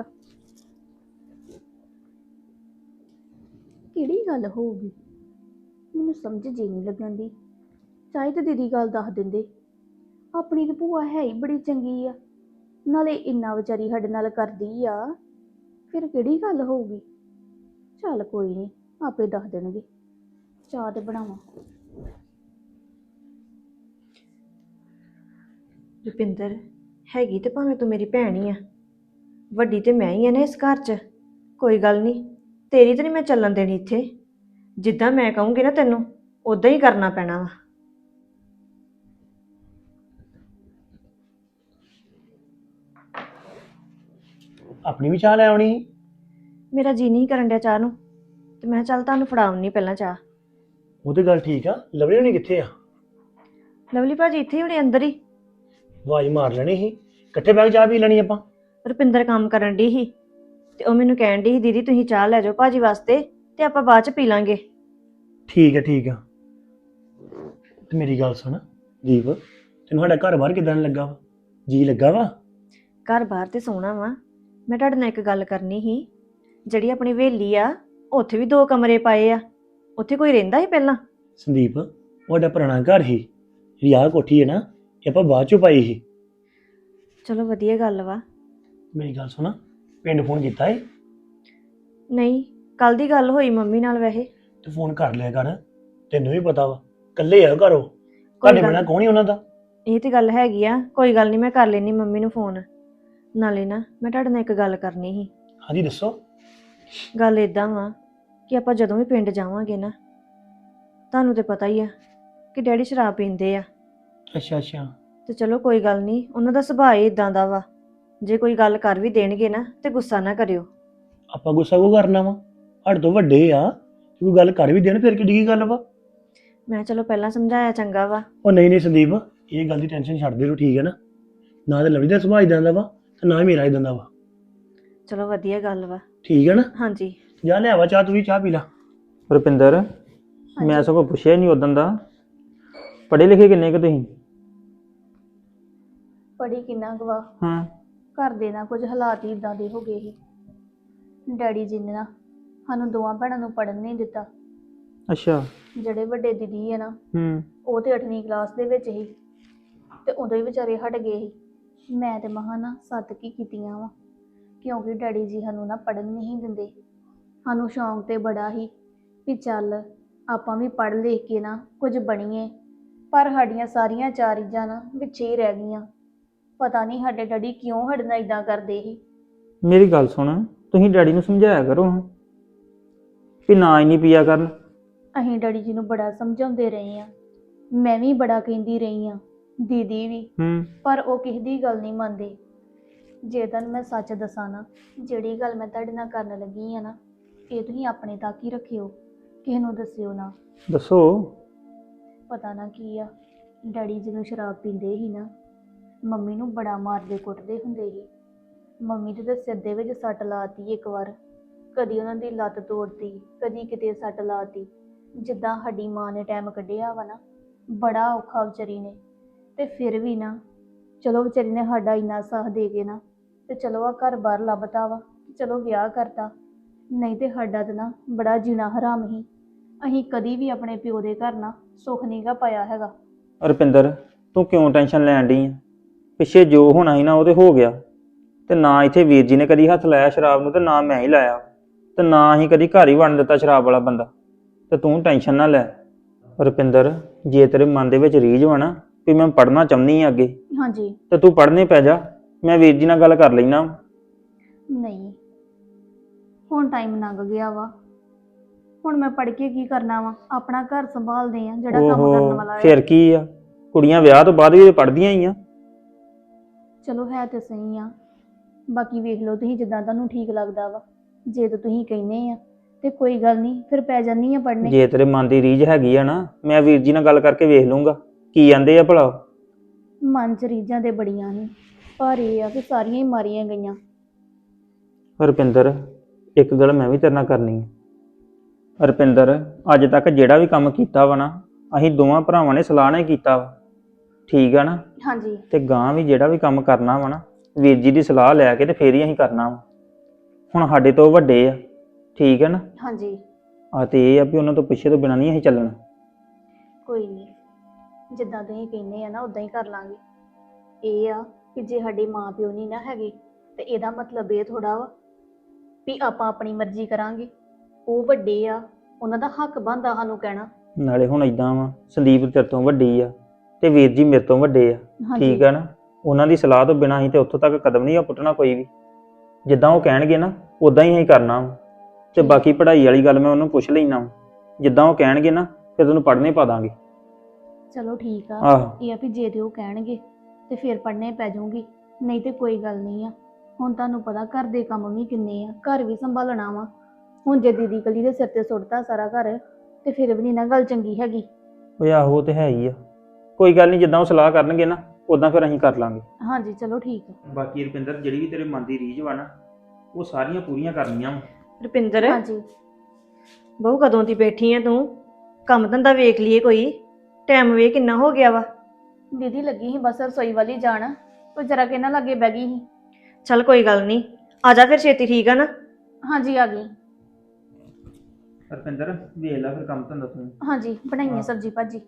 ਕਿਹੜੀ ਗੱਲ ਹੋਊਗੀ, ਮੈਨੂੰ ਸਮਝ ਜੀ ਨਹੀਂ ਲੱਗਣ ਦੀ। ਚਾਹੇ ਤੇ ਦੀਦੀ ਗੱਲ ਦੱਸ ਦਿੰਦੇ। ਆਪਣੀ ਤੇ ਭੂਆ ਹੈ ਹੀ ਬੜੀ ਚੰਗੀ ਆ, ਨਾਲੇ ਇੰਨਾ ਵਿਚਾਰੀ ਸਾਡੇ ਨਾਲ ਕਰਦੀ ਆ, ਫਿਰ ਕਿਹੜੀ ਗੱਲ ਹੋਊਗੀ। ਚੱਲ ਕੋਈ ਨਹੀਂ, ਆਪੇ ਦੱਸ ਦੇਣਗੇ। ਚਾਹ ਤੇ ਬਣਾਵਾਂ।
ਰੁਪਿੰਦਰ, ਹੈਗੀ ਤੇ ਭਾਵੇਂ ਤੂੰ ਮੇਰੀ ਭੈਣ ਹੀ ਆ, ਵੱਡੀ ਤੇ ਮੈਂ ਹੀ ਆ ਨਾ ਇਸ ਘਰ 'ਚ। ਕੋਈ ਗੱਲ ਨਹੀਂ, ਤੇਰੀ ਤੇ ਨਹੀਂ ਮੈਂ ਚੱਲਣ ਦੇਣੀ ਇੱਥੇ। ਜਿੱਦਾਂ ਮੈਂ ਕਹੂੰਗੀ ਨਾ ਤੈਨੂੰ, ਉਦਾਂ ਹੀ ਕਰਨਾ ਪੈਣਾ ਵਾ।
ਆਪਣੀ ਵੀ ਚਾਹ ਲੈ ਆਉਣੀ ਸੀ।
ਮੇਰਾ ਜੀ ਨਹੀਂ ਕਰਨ ਡਿਆ ਚਾਹ ਨੂੰ, ਤੇ ਮੈਂ ਕਿਹਾ ਚੱਲ ਤੁਹਾਨੂੰ ਫੜਾਉਣੀ ਪਹਿਲਾਂ ਚਾਹ।
ਉਹ ਤੇ ਗੱਲ ਠੀਕ ਆ, ਲਵਲੀ ਹੋਣੀ ਕਿੱਥੇ ਆ?
ਲਵਲੀ ਭਾਜੀ ਇੱਥੇ ਹੀ ਹੋਣੇ, ਅੰਦਰ ਹੀ।
ਆਵਾਜ਼ ਮਾਰ ਲੈਣੀ ਸੀ, ਇਕੱਠੇ ਬੈਠ ਕੇ ਚਾਹ ਪੀ ਲੈਣੀ ਆਪਾਂ।
ਰੁਪਿੰਦਰ ਕੰਮ ਕਰਨ ਡਈ ਸੀ ਤੇ ਉਹ ਮੈਨੂੰ ਕਹਿਣ ਡਈ ਸੀ, ਦੀਦੀ ਤੁਸੀਂ ਚਾਹ ਲੈ ਜਾਓ ਭਾਜੀ ਵਾਸਤੇ ਤੇ ਆਪਾਂ ਬਾਅਦ ਚ ਪੀ ਲਾਂਗੇ।
ਠੀਕ ਆ ਠੀਕ ਆ। ਤੇ ਮੇਰੀ ਗੱਲ ਸੁਣ ਦੀਪ, ਤੈਨੂੰ ਸਾਡਾ ਘਰ ਬਾਹਰ ਕਿਦਾਂ ਲੱਗਾ ਵਾ? ਜੀ ਲੱਗਾ ਵਾ?
ਘਰ ਬਾਹਰ ਤੇ ਸੋਹਣਾ ਵਾ। ਮੈਂ ਤੁਹਾਡੇ ਨਾਲ ਇੱਕ ਗੱਲ ਕਰਨੀ ਸੀ। ਜਿਹੜੀ ਆਪਣੀ ਹਵੇਲੀ ਆ, ਉੱਥੇ ਵੀ ਦੋ ਕਮਰੇ ਪਾਏ ਆ। ਉੱਥੇ ਕੋਈ ਰਹਿੰਦਾ ਸੀ ਪਹਿਲਾਂ?
ਸੰਦੀਪ, ਉਹ ਸਾਡਾ ਪੁਰਾਣਾ ਘਰ ਸੀ। ਜਿਹੜੀ ਆਹ ਕੋਠੀ ਹੈ ਨਾ, ਇਹ ਆਪਾਂ ਬਾਅਦ ਚੋਂ ਪਾਈ ਸੀ।
ਚਲੋ ਵਧੀਆ ਗੱਲ ਵਾ।
ਮੇਰੀ ਗੱਲ ਸੁਣ, ਪਿੰਡ ਫੋਨ ਕੀਤਾ ਏ?
ਨਹੀਂ, ਕੱਲ ਦੀ ਗੱਲ ਹੋਈ ਮੰਮੀ ਨਾਲ ਵੈਸੇ।
ਤੂੰ ਫੋਨ ਕਰ ਲਿਆ ਕਰ, ਤੈਨੂੰ ਵੀ ਪਤਾ ਵਾ ਇਕੱਲੇ ਆ ਘਰੋਂ, ਤੁਹਾਡੇ
ਗੱਲ
ਬਿਨਾਂ ਕੌਣ ਹੀ ਉਹਨਾਂ ਦਾ।
ਇਹ ਤੇ ਗੱਲ ਹੈਗੀ ਆ, ਕੋਈ ਗੱਲ ਨਹੀਂ, ਮੈਂ ਕਰ ਲੈਣੀ ਮੰਮੀ ਨੂੰ ਫੋਨ। ਨਾਲੇ ਨਾ ਮੈਂ ਤੁਹਾਡੇ ਨਾਲ ਇੱਕ ਗੱਲ ਕਰਨੀ ਸੀ।
ਹਾਂਜੀ ਦੱਸੋ।
ਗੱਲ ਇਦਾਂ ਵਾ ਕਿ ਆਪਾਂ ਜਦੋਂ ਵੀ ਪਿੰਡ ਜਾਵਾਂਗੇ ਨਾ, ਤੁਹਾਨੂੰ ਤੇ ਪਤਾ ਹੀ ਆ ਕਿ ਡੈਡੀ ਸ਼ਰਾਬ ਪੀਂਦੇ ਆ।
ਅੱਛਾ ਅੱਛਾ।
ਤੇ ਚਲੋ ਕੋਈ ਗੱਲ ਨਹੀਂ, ਉਹਨਾਂ ਦਾ ਸੁਭਾਅ ਹੀ ਇਦਾਂ ਦਾ ਵਾ। ਜੇ ਕੋਈ ਗੱਲ ਕਰ ਵੀ ਦੇਣਗੇ ਨਾ ਤੇ ਗੁੱਸਾ ਨਾ ਕਰਿਓ।
ਆਪਾਂ ਗੁੱਸਾ ਕਿਉਂ ਕਰਨਾ ਵਾ? ਸਾਡੇ ਤੋਂ ਵੱਡੇ ਆ, ਕੋਈ ਗੱਲ ਕਰ ਵੀ ਦੇਣ ਫਿਰ ਕਿੱਡੀ ਗੱਲ ਵਾ।
ਮੈਂ ਚਲੋ ਪਹਿਲਾਂ ਸਮਝਾਇਆ ਚੰਗਾ ਵਾ।
ਉਹ ਨਹੀਂ ਨਹੀਂ ਸੰਦੀਪ, ਇਹ ਗੱਲ ਦੀ ਟੈਨਸ਼ਨ ਛੱਡ ਦੇ ਤੂੰ, ਠੀਕ ਹੈ ਨਾ? ਨਾ ਤੇ ਲਵਲੀ ਦਾ ਸੁਭਾਅ ਇਦਾਂ ਦਾ ਵਾ ਤੇ ਨਾ ਹੀ ਮੇਰਾ ਇਦਾਂ ਦਾ ਵਾ।
ਚਲੋ ਵਧੀਆ ਗੱਲ ਵਾ।
ਠੀਕ ਹੈ ਨਾ?
ਹਾਂਜੀ।
ਜਾ ਲੈ ਆਵਾ ਚਾਹ, ਤੂੰ ਵੀ ਚਾਹ ਪੀ ਲਾ।
ਰੁਪਿੰਦਰ, ਮੈਂ ਸਗੋਂ ਪੁੱਛਿਆ ਨਹੀਂ ਉਦੋਂ ਦਾ, ਪੜ੍ਹੇ ਲਿਖੇ ਕਿੰਨੇ ਕੁ ਤੁਸੀਂ?
ਪੜੀ ਕਿੰਨਾ ਗਵਾ,
ਹਾਂ।
ਘਰ ਦੇ ਨਾ ਕੁਝ ਹਾਲਾਤ ਹੀ ਇਦਾਂ ਦੇ ਹੋ ਗਏ ਸੀ। ਡੈਡੀ ਜੀ ਨੇ ਨਾ ਸਾਨੂੰ ਦੋਵਾਂ ਭੈਣਾਂ ਨੂੰ ਪੜ੍ਹਨ ਨਹੀਂ ਦਿੱਤਾ।
ਅੱਛਾ।
ਜਿਹੜੇ ਵੱਡੇ ਦੀਦੀ ਹੈ ਨਾ,
ਹੂੰ।
ਉਹ ਤੇ ਅੱਠਵੀਂ ਕਲਾਸ ਦੇ ਵਿੱਚ ਸੀ ਤੇ ਉਦੋਂ ਹੀ ਵਿਚਾਰੇ ਹਟ ਗਏ ਸੀ। ਮੈਂ ਤੇ ਮਹਾਂ ਨਾ ਸੱਤ ਕੀ ਕੀਤੀਆਂ ਵਾ, ਕਿਉਂਕਿ ਡੈਡੀ ਜੀ ਸਾਨੂੰ ਨਾ ਪੜ੍ਹਨ ਨਹੀਂ ਦਿੰਦੇ। ਸਾਨੂੰ ਸ਼ੌਂਕ ਤੇ ਬੜਾ ਸੀ ਵੀ ਚੱਲ ਆਪਾਂ ਵੀ ਪੜ੍ਹ ਲਿਖ ਕੇ ਨਾ ਕੁਝ ਬਣੀਏ, ਪਰ ਸਾਡੀਆਂ ਸਾਰੀਆਂ ਚਾਰੀਜ਼ਾਂ ਨਾ ਵਿੱਚ ਹੀ ਰਹਿ ਗਈਆਂ। ਪਤਾ ਨਹੀਂ ਸਾਡੇ ਡੈਡੀ ਕਿਉਂ ਸਾਡੇ ਨਾਲ ਇਦਾਂ ਕਰਦੇ ਸੀ।
ਮੇਰੀ ਗੱਲ ਸੁਣ, ਤੁਸੀਂ ਡੈਡੀ ਨੂੰ ਸਮਝਾਇਆ ਕਰੋ ਵੀ ਨਾ ਇੰਨੀ ਪੀਆ ਕਰਨ।
ਅਸੀਂ ਡੈਡੀ ਜੀ ਨੂੰ ਬੜਾ ਸਮਝਾਉਂਦੇ ਰਹੇ ਆ, ਮੈਂ ਵੀ ਬੜਾ ਕਹਿੰਦੀ ਰਹੀ ਆ, ਦੀਦੀ ਵੀ,
ਹੂੰ।
ਪਰ ਉਹ ਕਿਸੇ ਦੀ ਗੱਲ ਨਹੀਂ ਮੰਨਦੇ। ਜੇ ਤਾਂ ਮੈਂ ਸੱਚ ਦੱਸਾਂ ਨਾ, ਜਿਹੜੀ ਗੱਲ ਮੈਂ ਤੁਹਾਡੇ ਨਾਲ ਕਰਨ ਲੱਗੀ ਆ ਨਾ, ਇਹ ਤੁਸੀਂ ਆਪਣੇ ਤੱਕ ਹੀ ਰੱਖਿਓ, ਕਿਸੇ ਨੂੰ ਦੱਸਿਓ ਨਾ।
ਦੱਸੋ।
ਪਤਾ ਨਾ ਕੀ ਆ, ਡੈਡੀ ਜਦੋਂ ਸ਼ਰਾਬ ਪੀਂਦੇ ਸੀ ਨਾ, ਮੰਮੀ ਨੂੰ ਬੜਾ ਮਾਰਦੇ ਕੁੱਟਦੇ ਹੁੰਦੇ ਸੀ। ਮੰਮੀ ਦੇ ਤਾਂ ਸਿਰ ਦੇ ਵਿੱਚ ਸੱਟ ਲਾਤੀ ਇੱਕ ਵਾਰ, ਕਦੀ ਉਹਨਾਂ ਦੀ ਲੱਤ ਤੋੜਤੀ, ਕਦੀ ਕਿਤੇ ਸੱਟ ਲਾਤੀ। ਜਿੱਦਾਂ ਸਾਡੀ ਮਾਂ ਨੇ ਟਾਈਮ ਕੱਢਿਆ ਵਾ ਨਾ, ਬੜਾ ਔਖਾ ਵਿਚਾਰੀ ਨੇ। ਤੇ ਫਿਰ ਵੀ ਨਾ, ਚਲੋ ਵਿਚਾਰੀ ਨੇ ਸਾਡਾ ਇੰਨਾ ਸਾਥ ਦੇ ਕੇ ਨਾ, ਤੇ ਚਲੋ ਆ ਘਰ ਬਾਹਰ ਲੱਭਤਾ ਵਾ, ਚਲੋ ਵਿਆਹ ਕਰਤਾ। ਨਹੀਂ ਤੇ ਸਾਡਾ ਤਾਂ ਨਾ ਬੜਾ ਜੀਣਾ ਹਰਾਮ ਹੀ। ਅਸੀਂ ਕਦੀ ਵੀ ਆਪਣੇ ਪਿਓ ਦੇ ਘਰ ਨਾ ਸੁੱਖ ਨਹੀਂ ਗਾ ਪਾਇਆ ਹੈਗਾ।
ਰੁਪਿੰਦਰ, ਤੂੰ ਕਿਉਂ ਟੈਨਸ਼ਨ ਲੈਣ ਡਈ ਆ? ਪਿੱਛੇ ਜੋ ਹੋਣਾ ਸੀ ਨਾ ਉਹ ਤੇ ਹੋ ਗਿਆ, ਤੇ ਨਾ ਇੱਥੇ ਵੀਰ ਜੀ ਨੇ ਕਦੀ ਹੱਥ ਲਾਇਆ ਸ਼ਰਾਬ ਨੂੰ, ਤੇ ਨਾ ਮੈਂ ਹੀ ਲਾਇਆ, ਤੇ ਨਾ ਹੀ ਕਦੀ ਘਰ ਹੀ ਵੜਨ ਦਿੱਤਾ ਸ਼ਰਾਬ ਵਾਲਾ ਬੰਦਾ। ਤੇ ਤੂੰ ਟੈਨਸ਼ਨ ਨਾ ਲੈ। ਰੁਪਿੰਦਰ, ਜੇ ਤੇਰੇ ਮਨ ਦੇ ਵਿੱਚ ਰੀਝ ਵਾ ਨਾ ਵੀ ਮੈਂ ਪੜ੍ਹਨਾ ਚਾਹੁੰਦੀ ਆ ਅੱਗੇ,
ਹਾਂਜੀ।
ਤੇ ਤੂੰ ਪੜ੍ਹਨੇ ਪੈ ਜਾ। ਮੈਂ ਵੀਰ ਜੀ ਨਾਲ ਗੱਲ ਕਰ ਲੈਣਾ।
ਨਹੀਂ, ਹੁਣ ਟਾਈਮ ਲੰਘ ਗਿਆ ਵਾ, ਹੁਣ ਮੈਂ ਪੜ੍ਹ ਕੇ ਕੀ ਕਰਨਾ ਵਾ? ਆਪਣਾ ਘਰ ਸੰਭਾਲਦੇ ਆ, ਜਿਹੜਾ ਕੰਮ ਕਰਨ
ਓਹੋ,
ਵਾਲਾ ਹੈ।
ਫਿਰ ਕੀ ਆ, ਕੁੜੀਆਂ ਵਿਆਹ ਤੋਂ ਬਾਅਦ ਵੀ ਪੜ੍ਹਦੀਆਂ ਹੀ ਆ।
ਚਲੋ ਹੈ ਤੇ ਸਹੀ ਆ, ਬਾਕੀ ਵੇਖ ਲਓ ਤੁਸੀਂ ਜਿੱਦਾਂ ਤੁਹਾਨੂੰ ਠੀਕ ਲੱਗਦਾ ਵਾ। ਜੇ ਤਾਂ ਤੁਸੀਂ ਕਹਿੰਦੇ ਆ ਤੇ ਕੋਈ ਗੱਲ ਨਹੀਂ, ਫਿਰ ਪੈ ਜਾਨੀ ਆ ਪੜ੍ਹਨੇ।
ਜੇ ਤੇਰੇ ਮਨ ਦੀ ਰੀਝ ਹੈਗੀ ਆ ਨਾ, ਮੈਂ ਵੀਰ ਜੀ ਨਾਲ ਗੱਲ ਕਰਕੇ ਵੇਖ ਲੂੰਗਾ ਕੀ ਕਹਿੰਦੇ ਆ ਭਲਾ।
ਮਨ ਚ ਰੀਝਾਂ ਤੇ ਬੜੀਆਂ ਸੀ, ਪਰ ਇਹ ਆ ਕਿ ਸਾਰੀਆਂ ਹੀ ਮਾਰੀਆਂ ਗਈਆਂ।
ਰੁਪਿੰਦਰ, ਇੱਕ ਗੱਲ ਮੈਂ ਵੀ ਤੇਰੇ ਨਾਲ ਕਰਨੀ ਹੈ। ਰੁਪਿੰਦਰ, ਅੱਜ ਤੱਕ ਜਿਹੜਾ ਵੀ ਕੰਮ ਕੀਤਾ ਵਾ ਨਾ, ਅਸੀਂ ਦੋਵਾਂ ਭਰਾਵਾਂ ਨੇ ਸਲਾਹ ਨਾਲ ਹੀ ਕੀਤਾ ਵਾ, ਠੀਕ ਆ ਨਾ?
ਹਾਂਜੀ।
ਤੇ ਗਾਂ ਵੀ ਜਿਹੜਾ ਵੀ ਕੰਮ ਕਰਨਾ ਵਾ ਨਾ, ਵੀਰ ਜੀ ਦੀ ਸਲਾਹ ਲੈ ਕੇ ਤੇ ਫੇਰ ਹੀ ਅਸੀਂ ਕਰਨਾ ਵਾ। ਹੁਣ ਸਾਡੇ ਤੋਂ ਵੱਡੇ ਆ, ਠੀਕ ਹੈ ਨਾ?
ਹਾਂਜੀ।
ਆ ਤੇ ਇਹ ਆ ਵੀ ਉਹਨਾਂ ਤੋਂ ਪਿੱਛੇ ਤੋਂ ਬਿਨਾਂ ਨਹੀਂ ਅਸੀਂ ਚੱਲਣਾ।
ਕੋਈ ਨਹੀਂ, ਜਿੱਦਾਂ ਤੁਸੀਂ ਕਹਿੰਦੇ ਆ ਨਾ ਉਦਾਂ ਹੀ ਕਰ ਲਾਂਗੇ। ਇਹ ਆ ਕਿ ਜੇ ਸਾਡੇ ਮਾਂ ਪਿਓ ਨਹੀਂ ਨਾ ਹੈਗੇ, ਤੇ ਇਹਦਾ ਮਤਲਬ ਇਹ ਥੋੜਾ ਵਾ ਵੀ ਆਪਾਂ ਆਪਣੀ ਮਰਜ਼ੀ ਕਰਾਂਗੇ। ਉਹ ਵੱਡੇ ਆ, ਉਹਨਾਂ ਦਾ ਹੱਕ ਬਣਦਾ ਸਾਨੂੰ ਕਹਿਣਾ।
ਨਾਲੇ ਹੁਣ ਇਦਾਂ ਵਾ, ਸੰਦੀਪ ਤੇਰੇ ਤੋਂ ਵੱਡੀ ਆ ਤੇ ਵੀਰ ਜੀ ਮੇਰੇ ਤੋਂ ਵੱਡੇ ਆ, ਠੀਕ ਆ ਨਾ? ਉਹਨਾਂ ਦੀ ਸਲਾਹ ਤੋਂ ਬਿਨਾਂ ਅਸੀਂ ਤੇ ਉੱਥੋਂ ਤੱਕ ਕਦਮ ਨਹੀਂ ਆ ਪੁੱਟਣਾ ਕੋਈ ਵੀ। ਜਿੱਦਾਂ ਉਹ ਕਹਿਣਗੇ ਨਾ ਉਦਾਂ ਹੀ ਅਸੀਂ ਕਰਨਾ ਵਾ। ਤੇ ਬਾਕੀ ਪੜ੍ਹਾਈ ਵਾਲੀ ਗੱਲ ਮੈਂ ਉਹਨੂੰ ਪੁੱਛ ਲੈਣਾ ਵਾ, ਜਿੱਦਾਂ ਉਹ ਕਹਿਣਗੇ ਨਾ ਫਿਰ ਤੈਨੂੰ ਪੜ੍ਹਨੇ ਪਾ ਦਾਂਗੇ।
ਚਲੋ ਠੀਕ ਆ।
ਆਹੋ।
ਇਹ ਆ ਵੀ ਜੇ ਤੇ ਉਹ ਕਹਿਣਗੇ ਤੇ ਫਿਰ ਪੜ੍ਹਨੇ ਪੈ ਜਾਊਗੀ, ਨਹੀਂ ਤੇ ਕੋਈ ਗੱਲ ਨਹੀਂ ਆ। ਹੁਣ ਤੁਹਾਨੂੰ ਪਤਾ ਘਰ ਦੇ ਕੰਮ ਵੀ ਕਿੰਨੇ ਆ, ਘਰ ਵੀ ਸੰਭਾਲਣਾ ਵਾ। ਹੁਣ ਜੇ ਦੀਦੀ ਕਲੀ ਦੇ ਸਿਰ ਤੇ ਸੁੱਟਤਾ ਸਾਰਾ ਘਰ, ਤੇ ਫਿਰ ਵੀ ਨਹੀਂ ਨਾ ਗੱਲ ਚੰਗੀ ਹੈਗੀ।
ਓਏ ਆਹੋ, ਉਹ ਤੇ ਹੈ ਹੀ ਆ। ਕੋਈ ਗੱਲ ਨਹੀਂ, ਜਿੱਦਾਂ ਉਹ ਸਲਾਹ ਕਰਨਗੇ ਨਾ ਉਦਾਂ ਫਿਰ ਅਸੀਂ ਕਰ ਲਾਂਗੇ।
ਹਾਂਜੀ ਚਲੋ ਠੀਕ ਆ।
ਬਾਕੀ ਰੁਪਿੰਦਰ, ਜਿਹੜੀ ਵੀ ਤੇਰੇ ਮਨ ਦੀ ਰੀਝ ਵਾ ਨਾ, ਉਹ ਸਾਰੀਆਂ ਪੂਰੀਆਂ ਕਰਨੀਆਂ ਵਾ।
ਰੁਪਿੰਦਰ,
ਹਾਂਜੀ।
ਬਹੁ ਕਦੋਂ ਦੀ ਬੈਠੀ ਆ ਤੂੰ? ਕੰਮ ਧੰਦਾ ਵੇਖ ਲਈਏ ਕੋਈ। ਟਾਈਮ ਵੇ ਕਿੰਨਾ ਹੋ ਗਿਆ ਵਾ।
ਦੀਦੀ ਲੱਗੀ ਸੀ ਬਸ ਰਸੋਈ ਵਾਲੀ ਜਾਣ, ਉਹ ਜਰਾ ਕਿ ਨਾ ਲੱਗੇ ਬਹਿ ਗਈ ਸੀ।
ਚੱਲ ਕੋਈ ਗੱਲ ਨਹੀਂ, ਆ ਜਾ ਫਿਰ ਛੇਤੀ, ਠੀਕ ਆ ਨਾ?
ਹਾਂਜੀ ਆ ਗਈ।
ਰੁਪਿੰਦਰ, ਵੇਖ ਲੈ ਫਿਰ ਕੰਮ ਧੰਦਾ ਤੂੰ।
ਹਾਂਜੀ ਬਣਾਈਏ ਸਬਜ਼ੀ ਭਾਜੀ।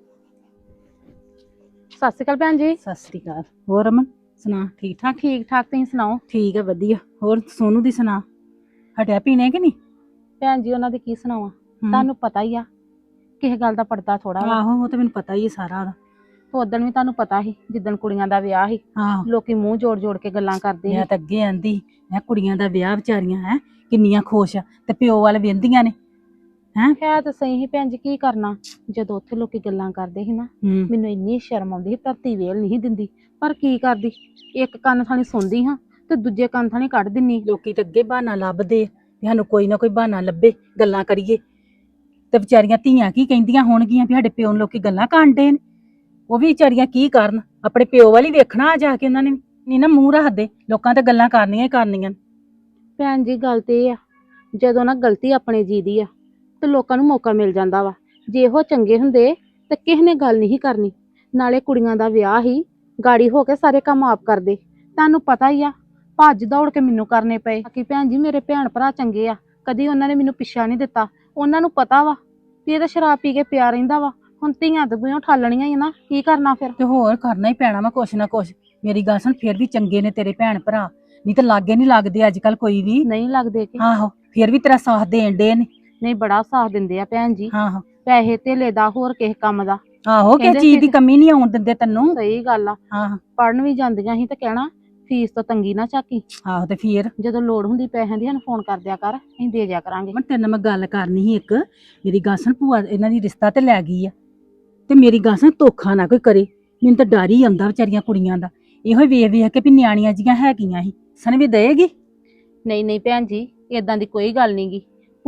ਸਤਿ ਸ਼੍ਰੀ ਅਕਾਲ ਭੈਣ ਜੀ।
ਸਤਿ ਸ੍ਰੀ ਅਕਾਲ। ਹੋਰ ਅਮਨ ਸੁਣਾ, ਠੀਕ ਠਾਕ?
ਠੀਕ ਠਾਕ, ਤੁਸੀਂ ਸੁਣਾਓ?
ਠੀਕ ਹੈ, ਵਧੀਆ। ਹੋਰ ਸੋਨੂ ਦੀ ਸੁਣਾ, ਹਟਿਆ ਪੀਣੇ ਕਿ ਨਹੀਂ?
ਭੈਣ ਜੀ ਉਹਨਾਂ ਦੀ ਕੀ ਸੁਣਾਵਾਂ, ਤੁਹਾਨੂੰ ਪਤਾ ਹੀ ਆ ਕਿਸੇ ਗੱਲ ਦਾ ਪੜਦਾ ਥੋੜਾ ਵਾ।
ਆਹੋ, ਉਹ ਤਾਂ ਮੈਨੂੰ ਪਤਾ ਹੀ ਹੈ ਸਾਰਾ ਉਹਦਾ।
ਉਦਣ ਵੀ ਤੁਹਾਨੂੰ ਪਤਾ ਸੀ, ਜਿੱਦਣ ਕੁੜੀਆਂ ਦਾ ਵਿਆਹ ਸੀ,
ਆਹੋ,
ਲੋਕੀ ਮੂੰਹ ਜੋੜ ਜੋੜ ਕੇ ਗੱਲਾਂ ਕਰਦੇ
ਮੈਂ
ਸੀ।
ਤਾਂ ਅੱਗੇ ਆਂਦੀ, ਮੈਂ ਕੁੜੀਆਂ ਦਾ ਵਿਆਹ ਵਿਚਾਰੀਆਂ ਹੈ ਕਿੰਨੀਆਂ ਖੁਸ਼ ਆ, ਤੇ ਪਿਓ ਵਾਲ ਵੇਂਦੀਆਂ ਨੇ ਹੈ।
ਹੈ ਤਾਂ ਸਹੀ ਸੀ ਭੈਣ ਜੀ, ਕੀ ਕਰਨਾ। ਜਦੋਂ ਉੱਥੇ ਲੋਕੀ ਗੱਲਾਂ ਕਰਦੇ ਸੀ ਨਾ, ਮੈਨੂੰ ਇੰਨੀ ਸ਼ਰਮ ਆਉਂਦੀ ਸੀ, ਧਰਤੀ ਵੇਲ ਨਹੀਂ ਦਿੰਦੀ। ਪਰ ਕੀ ਕਰਦੀ, ਇੱਕ ਕੰਨ ਥਾਣੀ ਸੁਣਦੀ ਹਾਂ ਤੇ ਦੂਜੇ ਕੰਨ ਥਾਣੀ ਕੱਢ ਦਿੰਨੀ।
ਲੋਕੀ ਤਾਂ ਅੱਗੇ ਬਹਾਨਾ ਲੱਭਦੇ ਆ ਵੀ ਸਾਨੂੰ ਕੋਈ ਨਾ ਕੋਈ ਬਹਾਨਾ ਲੱਭੇ, ਗੱਲਾਂ ਕਰੀਏ। ਤੇ ਵਿਚਾਰੀਆਂ ਧੀਆਂ ਕੀ ਕਹਿੰਦੀਆਂ ਹੋਣਗੀਆਂ ਵੀ ਸਾਡੇ ਪਿਓ ਨੂੰ ਲੋਕੀ ਗੱਲਾਂ ਕਾਂਡੇ ਨੇ। ਉਹ ਵੀ ਵਿਚਾਰੀਆਂ ਕੀ ਕਰਨ, ਆਪਣੇ ਪਿਓ ਵਾਲੀ ਵੇਖਣਾ ਆ ਜਾ ਕੇ। ਉਹਨਾਂ ਨੇ ਨਹੀਂ ਨਾ ਮੂੰਹ ਰੱਖਦੇ, ਲੋਕਾਂ ਤੇ ਗੱਲਾਂ ਕਰਨੀਆਂ ਹੀ ਕਰਨੀਆਂ।
ਭੈਣ ਜੀ ਗੱਲ ਤੇ ਇਹ ਆ, ਜਦੋਂ ਨਾ ਗਲਤੀ ਆਪਣੇ ਜੀ ਦੀ ਆ ਤੇ ਲੋਕਾਂ ਨੂੰ ਮੌਕਾ ਮਿਲ ਜਾਂਦਾ ਵਾ। ਜੇ ਉਹ ਚੰਗੇ ਹੁੰਦੇ ਤੇ ਕਿਸੇ ਨੇ ਗੱਲ ਨਹੀਂ ਕਰਨੀ। ਨਾਲੇ ਕੁੜੀਆਂ ਦਾ ਵਿਆਹ ਹੀ ਗਾੜੀ ਹੋ ਕੇ ਸਾਰੇ ਕੰਮ ਆਪ ਕਰਦੇ। ਤੁਹਾਨੂੰ ਪਤਾ ਹੀ ਆ, ਭੱਜ ਦੌੜ ਕੇ ਮੈਨੂੰ ਕਰਨੇ ਪਏ। ਬਾਕੀ ਭੈਣ ਜੀ ਮੇਰੇ ਭੈਣ ਭਰਾ ਚੰਗੇ ਆ, ਕਦੀ ਉਹਨਾਂ ਨੇ ਮੈਨੂੰ ਪਿੱਛਾ ਨਹੀਂ ਦਿੱਤਾ। ਉਹਨਾਂ ਨੂੰ ਪਤਾ ਵਾ ਵੀ ਇਹ ਤਾਂ ਸ਼ਰਾਬ ਪੀ ਕੇ ਪਿਆ ਰਹਿੰਦਾ ਵਾ। ਹੁਣ ਧੀਆਂ ਦਬੂਆਂ ਠਾਲਣੀਆਂ ਹੀ ਨਾ, ਕੀ ਕਰਨਾ ਫਿਰ।
ਤੇ ਹੋਰ ਕਰਨਾ ਹੀ ਪੈਣਾ ਵਾ ਕੁਛ ਨਾ ਕੁਛ। ਮੇਰੀ ਗੱਲ ਸੁਣ, ਫਿਰ ਵੀ ਚੰਗੇ ਨੇ ਤੇਰੇ ਭੈਣ ਭਰਾ, ਨਹੀਂ ਤਾਂ ਲਾਗੇ ਨਹੀਂ ਲੱਗਦੇ ਅੱਜ ਕੱਲ ਕੋਈ ਵੀ।
ਨਹੀਂ ਲੱਗਦੇ ਕਿ
ਆਹੋ, ਫਿਰ ਵੀ ਤੇਰਾ ਸਾਥ ਦੇਣ ਡੇ ਨੇ।
ਨਹੀਂ ਬੜਾ ਸਾਥ ਦਿੰਦੇ ਆ ਭੈਣ ਜੀ,
ਆਹੋ
ਪੈਸੇ ਧੇਲੇ ਦਾ, ਹੋਰ ਕਿਸੇ ਕੰਮ ਦਾ।
ਆਹੋ, ਕਿਸੇ
ਕਹਿੰਦੇ
ਚੀਜ਼ ਦੀ
ਸੀ-
ਕਮੀ ਨਹੀਂ ਆਉਣ ਦਿੰਦੇ ਤੈਨੂੰ।
ਸਹੀ ਗੱਲ ਆ।
ਆਹੋ
ਪੜਨ ਵੀ ਜਾਂਦੀਆਂ ਸੀ ਤੇ ਕਹਿਣਾ ਫੀਸ ਤੋਂ ਤੰਗੀ ਨਾ ਝਾਕੀ,
ਆਹੋ, ਤੇ ਫਿਰ
ਜਦੋਂ ਲੋੜ ਹੁੰਦੀ ਪੈਸਿਆਂ ਦੀ ਸਾਨੂੰ ਫੋਨ ਕਰ ਦਿਆ ਕਰ, ਅਸੀਂ ਦੇ ਦਿਆ ਕਰਾਂਗੇ।
ਮੈਂ ਤੇਰੇ ਨਾਲ ਮੈਂ ਗੱਲ ਕਰਨੀ ਸੀ ਇੱਕ। ਮੇਰੀ ਗੱਲ ਸੁਣ, ਭੂਆ ਇਹਨਾਂ ਦੀ ਰਿਸ਼ਤਾ ਤੇ ਲੈ ਗਈ ਆ, ਤੇ ਮੇਰੀ ਗੱਲ ਸੁਣ, ਧੋਖਾ ਨਾ ਕੋਈ ਕਰੇ। ਮੈਨੂੰ ਤਾਂ ਡਰ ਹੀ ਆਉਂਦਾ ਵਿਚਾਰੀਆਂ ਕੁੜੀਆਂ ਦਾ। ਇਹੋ ਹੀ ਵੇਖ ਵੇਖ ਕੇ ਵੀ ਨਿਆਣੀਆਂ ਜੀਆਂ ਹੈਗੀਆਂ ਸੀ, ਸਨ ਵੀ ਦੇਗੀ।
ਨਹੀਂ ਨਹੀਂ ਭੈਣ ਜੀ, ਏਦਾਂ ਦੀ ਕੋਈ ਗੱਲ ਨੀ ਗੀ।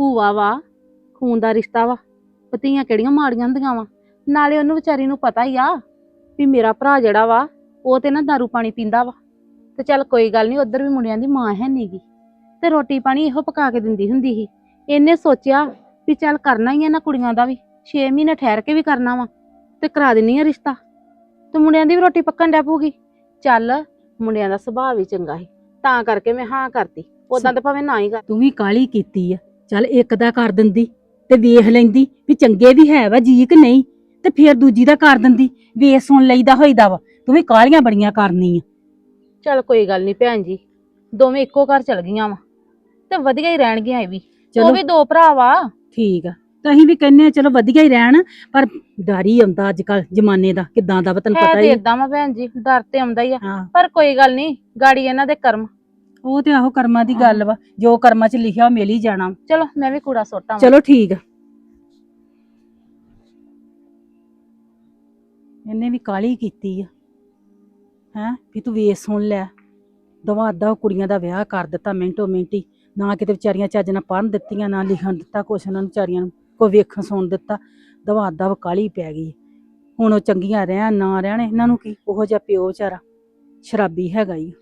ਭੂਆ ਵਾ, ਖੂਨ ਦਾ ਰਿਸ਼ਤਾ ਵਾ, ਪਤੀਆਂ ਕਿਹੜੀਆਂ ਮਾੜੀਆਂ ਹੁੰਦੀਆਂ ਵਾ। ਨਾਲੇ ਉਹਨੂੰ ਵਿਚਾਰੀ ਨੂੰ ਪਤਾ ਹੀ ਆ ਵੀ ਮੇਰਾ ਭਰਾ ਜਿਹੜਾ ਵਾ ਉਹ ਤੇ ਨਾ ਦਾਰੂ ਪਾਣੀ ਪੀਂਦਾ ਵਾ। ਤੇ ਚੱਲ ਕੋਈ ਗੱਲ ਨਹੀਂ, ਉਧਰ ਵੀ ਮੁੰਡਿਆਂ ਦੀ ਮਾਂ ਹੈ ਨੀਗੀ ਤੇ ਰੋਟੀ ਪਾਣੀ ਇਹੋ ਪਕਾ ਕੇ ਦਿੰਦੀ ਹੁੰਦੀ ਸੀ। ਇਹਨੇ ਸੋਚਿਆ ਵੀ ਚੱਲ ਕਰਨਾ ਹੀ ਆ ਨਾ ਕੁੜੀਆਂ ਦਾ ਵੀ, ਛੇ ਮਹੀਨੇ ਠਹਿਰ ਕੇ ਵੀ ਕਰਨਾ ਵਾ ਤੇ ਕਰਾ ਦਿੰਨੀ ਆ ਰਿਸ਼ਤਾ, ਤੇ ਮੁੰਡਿਆਂ ਦੀ ਵੀ ਰੋਟੀ ਪੱਕਣ ਡੈ ਪਊਗੀ। ਚੱਲ ਮੁੰਡਿਆਂ ਦਾ ਸੁਭਾਅ ਵੀ ਚੰਗਾ ਸੀ, ਤਾਂ ਕਰਕੇ ਮੈਂ ਹਾਂ ਕਰਤੀ। ਉਦਾਂ ਤਾਂ ਭਾਵੇਂ ਨਾ ਹੀ ਕਰ।
ਤੂੰ ਵੀ ਕਾਲੀ ਕੀਤੀ ਆ, ਚੱਲ ਇੱਕ ਦਾ ਕਰ ਦਿੰਦੀ ਤੇ ਵੇਖ ਲੈਂਦੀ ਵੀ ਚੰਗੇ ਵੀ ਹੈ ਵਾ ਜੀ ਕਿ ਨਹੀਂ, ਤੇ ਫਿਰ ਦੂਜੀ ਦਾ ਕਰ ਦਿੰਦੀ, ਵੇਖ ਸੁਣ ਲਈਦਾ ਹੋਈਦਾ ਵਾ। ਤੂੰ ਵੀ ਕਾਲੀਆਂ ਬੜੀਆਂ ਕਰਨੀ ਆ।
ਚੱਲ ਕੋਈ ਗੱਲ ਨਹੀਂ ਭੈਣ ਜੀ, ਦੋਵੇਂ ਇੱਕੋ ਘਰ ਚਲ ਗਈਆਂ ਵਾ ਤੇ ਵਧੀਆ ਹੀ ਰਹਿਣਗੀਆਂ। ਇਹ ਵੀ ਉਹ
ਚਲੋ
ਵੀ ਦੋ ਭਰਾ ਵਾ।
ਠੀਕ ਆ, ਤਾਂ ਅਸੀਂ ਵੀ ਕਹਿੰਨੇ ਆ ਚਲੋ ਵਧੀਆ ਹੀ ਰਹਿਣ, ਪਰ ਡਰ ਹੀ ਆਉਂਦਾ ਅੱਜ ਕੱਲ ਜ਼ਮਾਨੇ ਦਾ ਕਿਦਾਂ ਦਾ ਵਾ, ਤੈਨੂੰ
ਹੈ
ਪਤਾ
ਤੇ
ਹੀ ਆ।
ਏਦਾਂ ਵਾ ਭੈਣ ਜੀ, ਡਰ ਤੇ ਆਉਂਦਾ ਹੀ ਆ,
ਹਾਂ,
ਪਰ ਕੋਈ ਗੱਲ ਨਹੀਂ, ਗਾੜੀ ਇਹਨਾਂ ਦੇ ਕਰਮ।
ਉਹ ਤੇ ਆਹੋ ਕਰਮਾਂ ਦੀ ਗੱਲ ਵਾ, ਜੋ ਕਰਮਾਂ 'ਚ ਲਿਖਿਆ ਉਹ ਮਿਲ ਹੀ ਜਾਣਾ।
ਚਲੋ ਮੈਂ ਵੀ ਕੂੜਾ ਸੁੱਟਾਂ।
ਚਲੋ ਠੀਕ ਆ। ਇਹਨੇ ਵੀ ਕਾਲੀ ਕੀਤੀ ਆ ਹੈਂ ਵੀ ਤੂੰ ਵੇਖ ਸੁਣ ਲੈ, ਦਵਾ ਅੱਧਾ ਕੁੜੀਆਂ ਦਾ ਵਿਆਹ ਕਰ ਦਿੱਤਾ ਮਿੰਟੋ ਮਿੰਟੀ, ਨਾ ਕਿਤੇ ਵਿਚਾਰੀਆਂ ਚੱਜ ਨਾਲ ਪੜ੍ਹਨ ਦਿੱਤੀਆਂ, ਨਾ ਲਿਖਣ ਦਿੱਤਾ ਕੁਛ ਉਹਨਾਂ ਨੂੰ ਵਿਚਾਰੀਆਂ ਨੂੰ, ਕੋਈ ਵੇਖਣ ਸੁਣ ਦਿੱਤਾ। ਦਵਾ ਅੱਧਾ ਕਾਲੀ ਪੈ ਗਈ। ਹੁਣ ਉਹ ਚੰਗੀਆਂ ਰਹਿਣ ਨਾ ਰਹਿਣ, ਇਹਨਾਂ ਨੂੰ ਕੀ, ਉਹੋ ਜਿਹਾ ਪਿਓ ਵਿਚਾਰਾ ਸ਼ਰਾਬੀ ਹੈਗਾ ਹੀ।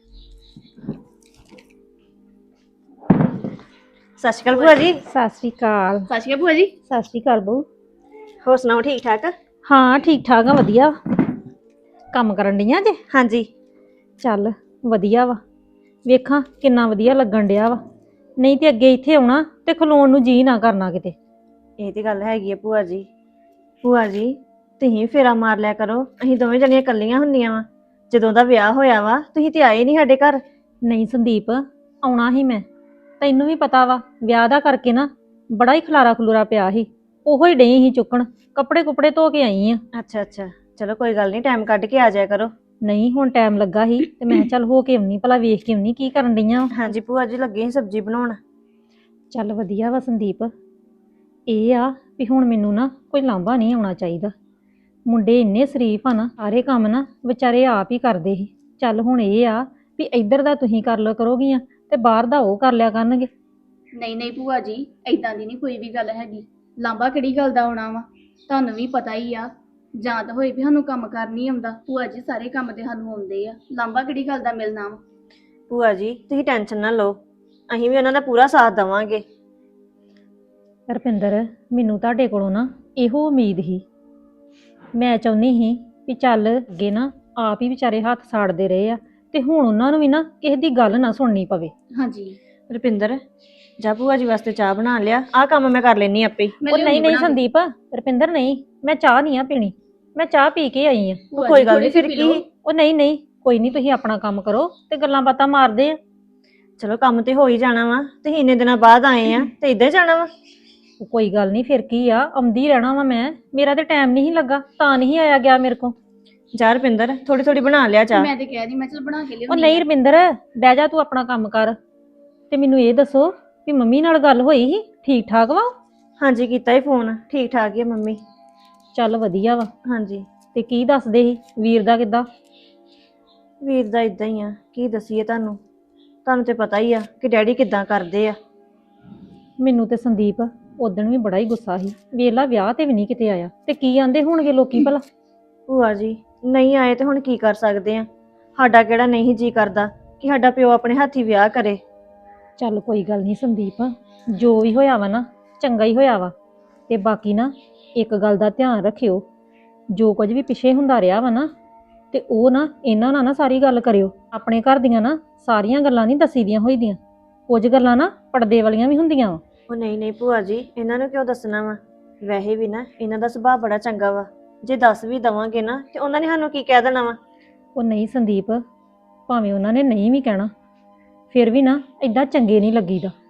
ਸਤਿ ਸ਼੍ਰੀ ਅਕਾਲ ਭੂਆ ਜੀ।
ਸਤਿ ਸ਼੍ਰੀ ਅਕਾਲ।
ਸਤਿ ਸ਼੍ਰੀ ਅਕਾਲ ਭੂਆ ਜੀ।
ਸਤਿ ਸ਼੍ਰੀ ਅਕਾਲ ਬਹੂ।
ਹੋਰ ਸੁਣਾਓ, ਠੀਕ ਠਾਕ?
ਹਾਂ ਠੀਕ ਠਾਕ ਆ, ਵਧੀਆ। ਕੰਮ ਕਰਨ ਡੀਆਂ ਜੇ?
ਹਾਂਜੀ।
ਚੱਲ ਵਧੀਆ ਵਾ, ਵੇਖਾਂ ਕਿੰਨਾ ਵਧੀਆ ਲੱਗਣ ਡਿਆ ਵਾ। ਨਹੀਂ ਤੇ ਅੱਗੇ ਇੱਥੇ ਆਉਣਾ ਤੇ ਖਲੋਣ ਨੂੰ ਜੀ ਨਾ ਕਰਨਾ ਕਿਤੇ।
ਇਹ ਤੇ ਗੱਲ ਹੈਗੀ ਆ ਭੂਆ ਜੀ। ਭੂਆ ਜੀ ਤੁਸੀਂ ਫੇਰਾ ਮਾਰ ਲਿਆ ਕਰੋ, ਅਸੀਂ ਦੋਵੇਂ ਜਣੀਆਂ ਇਕੱਲੀਆਂ ਹੁੰਦੀਆਂ ਵਾ। ਜਦੋਂ ਦਾ ਵਿਆਹ ਹੋਇਆ ਵਾ ਤੁਸੀਂ ਤੇ ਆਏ ਨਹੀਂ ਸਾਡੇ ਘਰ।
ਨਹੀਂ ਸੰਦੀਪ, ਆਉਣਾ ਹੀ ਮੈਂ, ਤੈਨੂੰ ਵੀ ਪਤਾ ਵਾ ਵਿਆਹ ਦਾ ਕਰਕੇ ਨਾ ਬੜਾ ਹੀ ਖਲਾਰਾ ਖਲੂਰਾ ਪਿਆ ਸੀ, ਉਹੋ ਹੀ ਡਈ ਸੀ ਚੁੱਕਣ। ਕੱਪੜੇ ਕੁਪੜੇ ਧੋ ਕੇ ਆਈ ਆ।
ਅੱਛਾ ਅੱਛਾ, ਚਲੋ ਕੋਈ ਗੱਲ ਨਹੀਂ, ਟਾਈਮ ਕੱਢ ਕੇ ਆ ਜਾਇਆ ਕਰੋ।
ਨਹੀਂ ਹੁਣ ਟਾਈਮ ਲੱਗਾ ਸੀ ਤੇ ਮੈਂ ਕਿਹਾ ਚੱਲ ਹੋ ਕੇ ਆਉਣੀ, ਭਲਾ ਵੇਖ ਕੇ ਆਉਣੀ ਕੀ ਕਰਨ ਡਈਆਂ।
ਹਾਂਜੀ ਭੂਆ ਜੀ, ਲੱਗੇ ਸੀ ਸਬਜ਼ੀ ਬਣਾਉਣ।
ਚੱਲ ਵਧੀਆ ਵਾ ਸੰਦੀਪ। ਇਹ ਆ ਵੀ ਹੁਣ ਮੈਨੂੰ ਨਾ ਕੋਈ ਲਾਂਭਾ ਨਹੀਂ ਆਉਣਾ ਚਾਹੀਦਾ। ਮੁੰਡੇ ਇੰਨੇ ਸ਼ਰੀਫ ਆ ਨਾ, ਸਾਰੇ ਕੰਮ ਨਾ ਵਿਚਾਰੇ ਆਪ ਹੀ ਕਰਦੇ ਸੀ। ਚੱਲ ਹੁਣ ਇਹ ਆ ਵੀ ਇੱਧਰ ਦਾ ਤੁਸੀਂ ਕਰ ਲਿਆ ਕਰੋਗੀਆਂ ਤੇ ਬਾਹਰ ਦਾ ਉਹ ਕਰ ਲਿਆ ਕਰਨਗੇ।
ਨਹੀਂ ਨਹੀਂ ਭੂਆ ਜੀ, ਏਦਾਂ ਦੀ ਨਹੀਂ ਕੋਈ ਵੀ ਗੱਲ ਹੈਗੀ। ਲਾਂਬਾ ਕਿਹੜੀ ਗੱਲ ਦਾ ਆਉਣਾ ਵਾ, ਤੁਹਾਨੂੰ ਵੀ ਪਤਾ ਹੀ ਆ। ਜਾਂ ਤਾਂ ਹੋਏ ਵੀ ਸਾਨੂੰ ਕੰਮ ਕਰ ਨਹੀਂ ਆਉਂਦਾ, ਭੂਆ ਜੀ ਸਾਰੇ ਕੰਮ ਤੇ ਸਾਨੂੰ ਆਉਂਦੇ ਆ। ਲਾਂਬਾ ਕਿਹੜੀ ਗੱਲ ਦਾ ਮਿਲਣਾ ਵਾ।
ਭੂਆ ਜੀ ਤੁਸੀਂ ਟੈਨਸ਼ਨ ਨਾ ਲਓ, ਅਸੀਂ ਵੀ ਉਹਨਾਂ ਦਾ ਪੂਰਾ ਸਾਥ ਦੇਵਾਂਗੇ।
ਰੁਪਿੰਦਰ, ਮੈਨੂੰ ਤੁਹਾਡੇ ਕੋਲੋਂ ਨਾ ਇਹੋ ਉਮੀਦ ਸੀ। ਮੈਂ ਚਾਹੁੰਦੀ ਸੀ ਵੀ ਚੱਲ ਅੱਗੇ ਨਾ ਆਪ ਹੀ ਵਿਚਾਰੇ ਹੱਥ ਸਾੜਦੇ ਰਹੇ ਆ, ਤੇ ਹੁਣ ਉਹਨਾਂ ਨੂੰ ਵੀ ਨਾ ਕਿਸੇ ਦੀ ਗੱਲ ਨਾ ਸੁਣਨੀ ਪਵੇ।
ਹਾਂਜੀ
ਰੁਪਿੰਦਰ, ਜਾ ਭੂਆ ਜੀ ਵਾਸਤੇ ਚਾਹ ਬਣਾ ਲਿਆ, ਆਹ ਕੰਮ ਮੈਂ ਕਰ ਲੈਣੀ ਆਪੇ ਹੀ।
ਮੈਂ
ਉਹ
ਲਿਆਉਂਦੀ
ਨਹੀਂ ਨਹੀਂ
ਬਣਾ ਕੇ।
ਸੰਦੀਪ, ਰੁਪਿੰਦਰ ਨਹੀਂ, ਮੈਂ ਚਾਹ ਨਹੀਂ ਆ ਪੀਣੀ, ਮੈਂ ਚਾਹ ਪੀ ਕੇ ਆਈ ਆ।
ਭੂਆ
ਕੋਈ
ਜੀ,
ਗੱਲ
ਥੋੜ੍ਹੀ
ਨਹੀਂ, ਫਿਰ
ਜਿਹੀ
ਕੀ?
ਪੀ ਲਓ।
ਉਹ ਨਹੀਂ ਨਹੀਂ, ਕੋਈ ਨਹੀਂ, ਤੁਸੀਂ ਆਪਣਾ ਕੰਮ ਕਰੋ ਤੇ ਗੱਲਾਂ ਬਾਤਾਂ ਮਾਰਦੇ ਆ।
ਚਲੋ ਕੰਮ ਤੇ ਹੋ ਹੀ ਜਾਣਾ ਵਾ, ਤੁਸੀਂ ਇੰਨੇ ਦਿਨਾਂ ਬਾਅਦ ਆਏ ਆ ਤੇ ਇੱਦਾਂ ਹੀ ਜਾਣਾ ਵਾ।
ਉਹ ਕੋਈ ਗੱਲ ਨਹੀਂ, ਫਿਰ ਕੀ ਆ, ਆਉਂਦੀ ਰਹਿਣਾ ਵਾ ਮੈਂ। ਮੇਰਾ ਤੇ ਟਾਈਮ ਨਹੀਂ ਲੱਗਾ, ਤਾਂ ਨਹੀਂ ਆਇਆ ਗਿਆ ਮੇਰੇ ਕੋ।
ਜਾ ਰੁਪਿੰਦਰ, ਥੋੜੀ ਥੋੜੀ ਬਣਾ ਲਿਆ ਚਾਹ।
ਮੈਂ ਤੇ ਕਹਿ ਰਹੀ, ਮੈਂ ਚਲ ਬਣਾ ਕੇ
ਉਹ
ਲਿਆਉਂਦੀ
ਨਹੀਂ
ਆ।
ਰੁਪਿੰਦਰ, ਬਹਿ ਜਾ ਤੂੰ ਆਪਣਾ ਕੰਮ ਕਰ, ਤੇ ਮੈਨੂੰ ਇਹ ਦੱਸੋ ਵੀ ਮੰਮੀ ਨਾਲ ਗੱਲ ਹੋਈ ਸੀ, ਠੀਕ ਠਾਕ ਵਾ?
ਹਾਂਜੀ ਕੀਤਾ ਹੀ ਫੋਨ, ਠੀਕ ਠਾਕ ਹੀ ਆ ਮੰਮੀ।
ਚੱਲ ਵਧੀਆ ਵਾ।
ਹਾਂਜੀ।
ਤੇ ਕੀ ਦੱਸਦੇ ਸੀ ਵੀਰ ਦਾ ਕਿੱਦਾਂ?
ਵੀਰ ਦਾ ਇਦਾਂ ਹੀ ਆ, ਕੀ ਦਸੀਏ ਤੁਹਾਨੂੰ, ਤੁਹਾਨੂੰ ਤੇ ਪਤਾ ਹੀ ਆ ਕਿ ਡੈਡੀ ਕਿੱਦਾਂ ਕਰਦੇ ਆ।
ਮੈਨੂੰ ਤੇ ਸੰਦੀਪ ਉਦਣ ਵੀ ਬੜਾ ਹੀ ਗੁੱਸਾ ਸੀ, ਵੇਲਾ ਵਿਆਹ ਤੇ ਵੀ ਨਹੀਂ ਕਿਤੇ ਆਇਆ, ਤੇ ਕੀ ਆਂਦੇ ਹੋਣਗੇ ਲੋਕੀ ਭਲਾ।
ਭੂਆ ਜੀ ਨਹੀਂ ਆਏ ਤੇ ਹੁਣ ਕੀ ਕਰ ਸਕਦੇ ਆ, ਸਾਡਾ ਕਿਹੜਾ ਨਹੀਂ ਜੀ ਕਰਦਾ ਕਿ ਸਾਡਾ ਪਿਓ ਆਪਣੇ ਹੱਥੀ ਵਿਆਹ ਕਰੇ।
ਚੱਲ ਕੋਈ ਗੱਲ ਨਹੀਂ ਸੰਦੀਪ, ਜੋ ਵੀ ਹੋਇਆ ਵਾ ਨਾ ਚੰਗਾ ਹੀ ਹੋਇਆ ਵਾ। ਤੇ ਬਾਕੀ ਨਾ ਇੱਕ ਗੱਲ ਦਾ ਧਿਆਨ ਰੱਖਿਓ, ਜੋ ਕੁਝ ਵੀ ਪਿੱਛੇ ਹੁੰਦਾ ਰਿਹਾ ਵਾ ਨਾ, ਤੇ ਉਹ ਨਾ ਇਹਨਾਂ ਨਾਲ ਨਾ ਸਾਰੀ ਗੱਲ ਕਰਿਓ। ਆਪਣੇ ਘਰ ਦੀਆਂ ਨਾ ਸਾਰੀਆਂ ਗੱਲਾਂ ਨਹੀਂ ਦੱਸੀ ਦੀਆਂ ਹੋਈਆਂ, ਕੁਝ ਗੱਲਾਂ ਨਾ ਪਰਦੇ ਵਾਲੀਆਂ ਵੀ ਹੁੰਦੀਆਂ ਵਾ।
ਉਹ ਨਹੀਂ ਨਹੀਂ ਭੂਆ ਜੀ, ਇਹਨਾਂ ਨੂੰ ਕਿਉਂ ਦੱਸਣਾ ਵਾ, ਵੈਸੇ ਵੀ ਨਾ ਇਹਨਾਂ ਦਾ ਸੁਭਾਅ ਬੜਾ ਚੰਗਾ ਵਾ, ਜੇ ਦੱਸ ਵੀ ਦਵਾਂਗੇ ਨਾ ਤੇ ਉਹਨਾਂ ਨੇ ਸਾਨੂੰ ਕੀ ਕਹਿ ਦੇਣਾ ਵਾ।
ਉਹ ਨਹੀਂ ਸੰਦੀਪ, ਭਾਵੇਂ ਉਹਨਾਂ ਨੇ ਨਹੀਂ ਵੀ ਕਹਿਣਾ, ਫਿਰ ਵੀ ਨਾ ਏਦਾਂ ਚੰਗੇ ਨਹੀਂ ਲੱਗੀਦਾ।